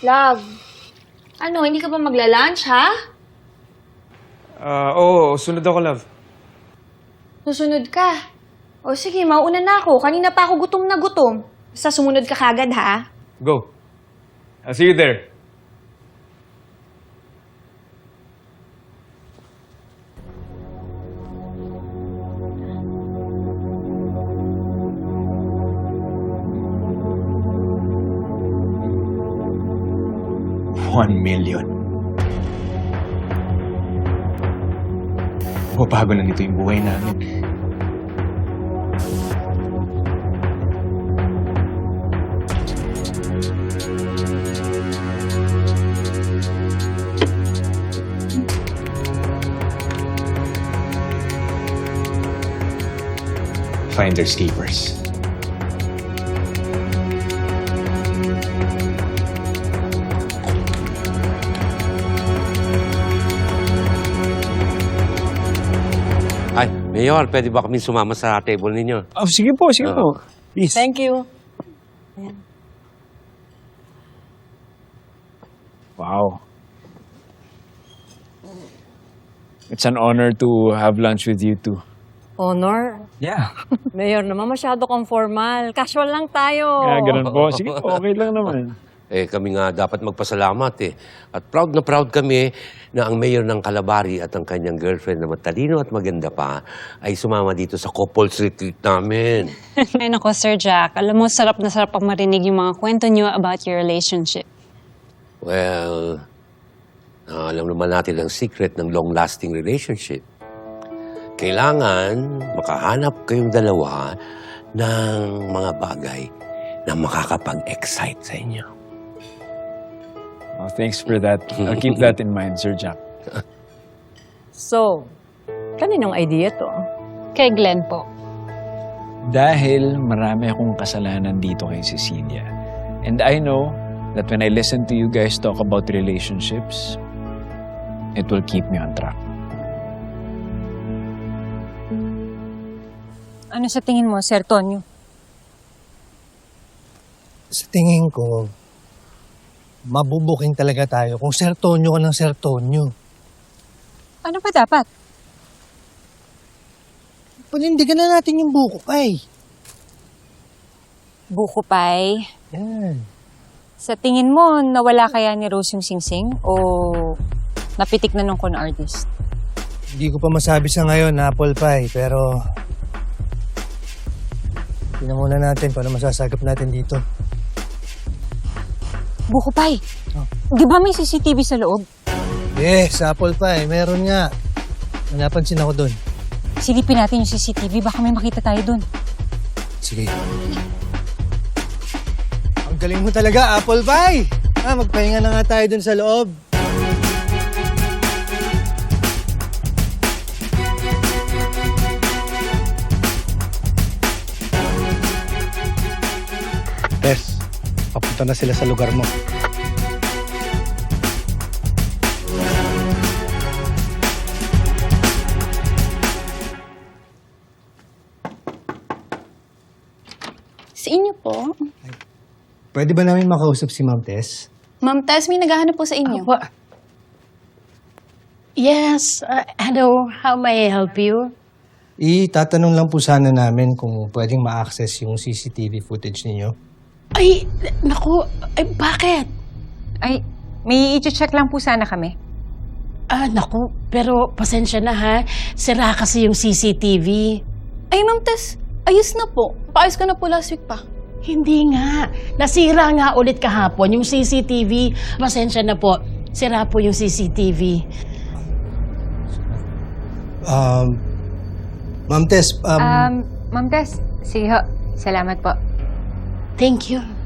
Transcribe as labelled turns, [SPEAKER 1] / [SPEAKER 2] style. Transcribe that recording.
[SPEAKER 1] Love, ano, hindi ka ba magla-lunch, ha?
[SPEAKER 2] Oo, sunod ako, love.
[SPEAKER 1] Susunod ka. O sige, mauuna na ako. Kanina pa ako gutom na gutom. Basta sumunod ka kagad, ha?
[SPEAKER 2] Go. I'll see you there. $1 million. Mababago na nito yung buhay namin. Finders keepers.
[SPEAKER 3] Ay, Mayor, pwede ba kami sumama sa table ninyo?
[SPEAKER 2] Oh, sige po, Please.
[SPEAKER 4] Thank you.
[SPEAKER 2] Wow. It's an honor to have lunch with you two.
[SPEAKER 4] Honor.
[SPEAKER 2] Yeah.
[SPEAKER 4] Mayor naman, masyado kang formal. Casual lang tayo.
[SPEAKER 2] Kaya ganun po. Sige po, okay lang naman.
[SPEAKER 3] Eh, kami nga dapat magpasalamat eh. At proud na proud kami na ang mayor ng Calabari at ang kanyang girlfriend na matalino at maganda pa ay sumama dito sa couples retreat namin.
[SPEAKER 5] Ay nako, Sir Jack. Alam mo, sarap na sarap pang marinig yung mga kwento niyo about your relationship.
[SPEAKER 3] Well, alam naman natin ang secret ng long-lasting relationship. Kailangan makahanap kayong dalawa ng mga bagay na makakapag-excite sa inyo.
[SPEAKER 2] Oh, thanks for that. I'll keep that in mind, Sir Jack.
[SPEAKER 4] So, kaninong idea to?
[SPEAKER 5] Kay Glenn po.
[SPEAKER 2] Dahil marami akong kasalanan dito kay Cecilia. And I know that when I listen to you guys talk about relationships, it will keep me on track.
[SPEAKER 5] Ano sa tingin mo, Sir Tonyo?
[SPEAKER 6] Sa tingin ko, mabubuking talaga tayo kung sertonyo ka ng sertonyo.
[SPEAKER 5] Ano pa dapat?
[SPEAKER 6] Panindigan na natin yung buko kay.
[SPEAKER 5] Buko pie?
[SPEAKER 6] Yan.
[SPEAKER 5] Sa tingin mo, nawala kaya ni Rose yung singsing? O napitik na nung con artist?
[SPEAKER 6] Hindi ko pa masabi sa ngayon, apple pie, pero tingnan muna natin paano masasagap natin dito.
[SPEAKER 5] Buko pie?
[SPEAKER 6] Oh.
[SPEAKER 5] Di ba may CCTV sa loob?
[SPEAKER 6] Yes, apple pie, meron nga. May napansin ako doon.
[SPEAKER 5] Silipin natin yung CCTV, baka may makita tayo dun.
[SPEAKER 6] Sige. Ang galing mo talaga, apple pie! Magpahinga na nga tayo doon sa loob.
[SPEAKER 7] Tess, papunta na sila sa lugar mo.
[SPEAKER 1] Sa inyo po.
[SPEAKER 6] Pwede ba namin makausap si Ma'am Tess?
[SPEAKER 1] Ma'am Tess, may naghahanap po sa inyo.
[SPEAKER 8] Yes, hello. How may I help you?
[SPEAKER 6] Tatanong lang po sana namin kung pwedeng ma-access yung CCTV footage ninyo.
[SPEAKER 8] Ay, naku, ay, bakit?
[SPEAKER 9] Ay, may i-check lang po sana kami.
[SPEAKER 8] Naku, pero pasensya na ha. Sira kasi yung CCTV.
[SPEAKER 1] Ay, Ma'am Tess, ayos na po. Paayos ko na po last week pa.
[SPEAKER 8] Hindi nga. Nasira nga ulit kahapon yung CCTV. Pasensya na po. Sira po yung CCTV.
[SPEAKER 6] Ma'am Tess,
[SPEAKER 9] Ma'am Tess, sige ho. Salamat po.
[SPEAKER 8] Thank you.